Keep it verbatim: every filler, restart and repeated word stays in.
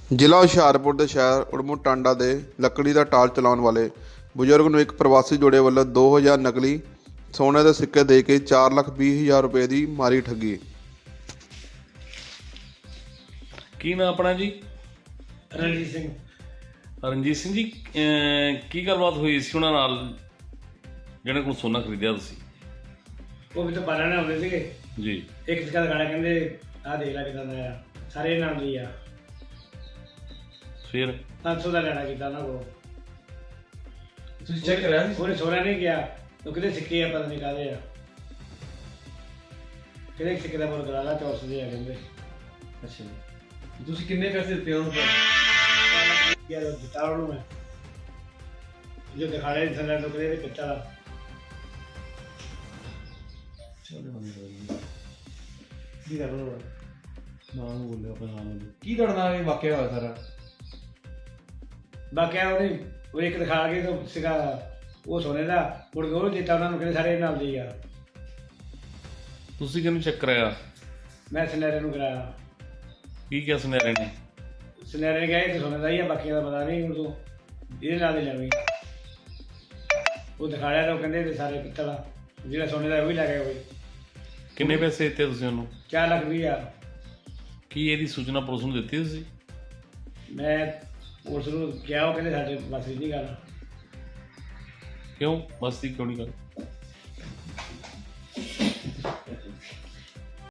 ਜ਼ਿਲ੍ਹਾ ਹੁਸ਼ਿਆਰਪੁਰ ਦੇ ਸ਼ਹਿਰ ਉੜਮੂ ਟਾਂਡਾ ਦੇ ਲੱਕੜੀ ਦਾ ਟਾਲ ਚਲਾਉਣ ਵਾਲੇ ਬਜ਼ੁਰਗ ਨੂੰ ਇੱਕ ਪ੍ਰਵਾਸੀ ਜੋੜੇ ਵੱਲੋਂ ਦੋ ਹਜ਼ਾਰ ਨਕਲੀ ਸੋਨੇ ਦੇ ਸਿੱਕੇ ਦੇ ਕੇ ਚਾਰ ਲੱਖ ਵੀਹ ਹਜ਼ਾਰ ਰੁਪਏ ਦੀ ਮਾਰੀ ਠੱਗੀ। ਕੀ ਨਾਮ ਆਪਣਾ ਜੀ? ਰਣਜੀਤ ਸਿੰਘ। ਰਣਜੀਤ ਸਿੰਘ ਜੀ, ਅਹ ਕੀ ਗੱਲਬਾਤ ਹੋਈ ਸੀ ਉਹਨਾਂ ਨਾਲ ਜਿਹਨਾਂ ਕੋਲ ਸੋਨਾ ਖਰੀਦਿਆ ਤੁਸੀਂ? ਉਹ ਵੀ ਤਾਂ ਬਾਰਾਂ ਨਾਲ ਆਉਂਦੇ ਸੀਗੇ ਜੀ। ਇੱਕ ਸਿੱਕਾ ਦਿਖਾਣਾ, ਕਹਿੰਦੇ ਆਹ ਦੇਖ ਲੈ ਕਿਦਾਂ ਦਾ ਆ, ਸਾਰੇ ਨਾਮ ਦੀ ਆ। ਫਿਰ ਪੰਜ ਸੌ ਦਾ ਲੈਣਾ ਕੀਤਾ ਉਹਨਾਂ ਕੋਲ। ਤੁਸੀਂ ਚੈੱਕ ਕਰਿਆ ਸੀ? ਉਹਨੇ ਸੋਨਾ ਨਹੀਂ ਗਿਆ, ਉਹ ਕਿਤੇ ਸਿੱਕੇ ਆ, ਪਤਾ ਨਹੀਂ ਕਾਹਦੇ ਆ, ਕਿਹੜੇ ਸਿੱਕੇ ਦਾ ਮੁੱਲ ਕਰਾ ਲਾ, ਚੌਰਸ ਦੇ ਆ ਕਹਿੰਦੇ। ਅੱਛਾ ਜੀ। ਤੁਸੀਂ ਕਿੰਨੇ ਪੈਸੇ ਦਿੱਤੇ ਉਹਨੂੰ ਫਿਰ? ਯਾਰ ਦਿੱਤਾ ਉਹਨੂੰ ਮੈਂ, ਜੋ ਦਿਖਾੜੇ ਥੱਲੇ ਤੋਂ ਕਿਤੇ ਪਿੱਛਾ ਦਾ। ਚਲੋ ਬੰਦ ਕਰ ਦਿਓ। ਕੀ ਕਰ ਲੋ ਨਾਮ ਬੋਲਿਓ ਆਪਣਾ ਨਾਮ। ਕੀ ਤੁਹਾਡੇ ਨਾਲ ਇਹ ਵਾਕਿਆ ਹੋਇਆ ਸਾਰਾ? ਬਾਕੀ ਉਹਨੇ ਉਹ ਇੱਕ ਦਿਖਾ ਕੇ ਤਾਂ ਸੀਗਾ ਉਹ ਸੋਨੇ ਦਾ, ਮੁੜ ਕੇ ਉਹ ਦਿੱਤਾ ਉਹਨਾਂ ਨੂੰ, ਕਹਿੰਦੇ ਸਾਰੇ ਨਾਲ ਦੀ ਆ। ਤੁਸੀਂ ਕਿਹਨੂੰ ਚੈੱਕ ਕਰਾਇਆ? ਮੈਂ ਸੁਨਹਿਰੇ ਨੂੰ ਕਰਾਇਆ। ਕੀ ਕਿਹਾ ਸੁਨਹਿਰੇ ਨੇ? ਸੁਨਹਿਰੇ ਨੇ ਕਿਹਾ ਇਹ ਤਾਂ ਸੋਨੇ ਦਾ ਹੀ ਆ, ਬਾਕੀਆਂ ਦਾ ਪਤਾ ਨਹੀਂ, ਹੁਣ ਤੂੰ ਇਹਦੇ ਨਾਲ ਹੀ ਲੈਵੀਂ। ਉਹ ਦਿਖਾਇਆ ਤਾਂ ਉਹ ਕਹਿੰਦੇ ਤੇ ਸਾਰੇ ਪਿੱਤਲ ਆ, ਜਿਹੜਾ ਸੋਨੇ ਦਾ ਉਹ ਵੀ ਲੈ ਗਿਆ ਕੋਈ। ਕਿੰਨੇ ਪੈਸੇ ਦਿੱਤੇ ਤੁਸੀਂ ਉਹਨੂੰ? ਚਾਰ ਲੱਖ ਵੀਹ ਹਜ਼ਾਰ। ਕੀ ਇਹਦੀ ਸੂਚਨਾ ਪੁਲਿਸ ਨੂੰ ਦਿੱਤੀ ਤੁਸੀਂ? ਮੈਂ ਉਸ ਨੂੰ ਕਿਹਾ, ਉਹ ਕਹਿੰਦੇ ਸਾਡੇ ਬਸ ਨਹੀਂ ਕਰਨਾ। ਕਿਉਂ ਬਸਤੀ ਕਿਉਂ ਨਹੀਂ ਕਰ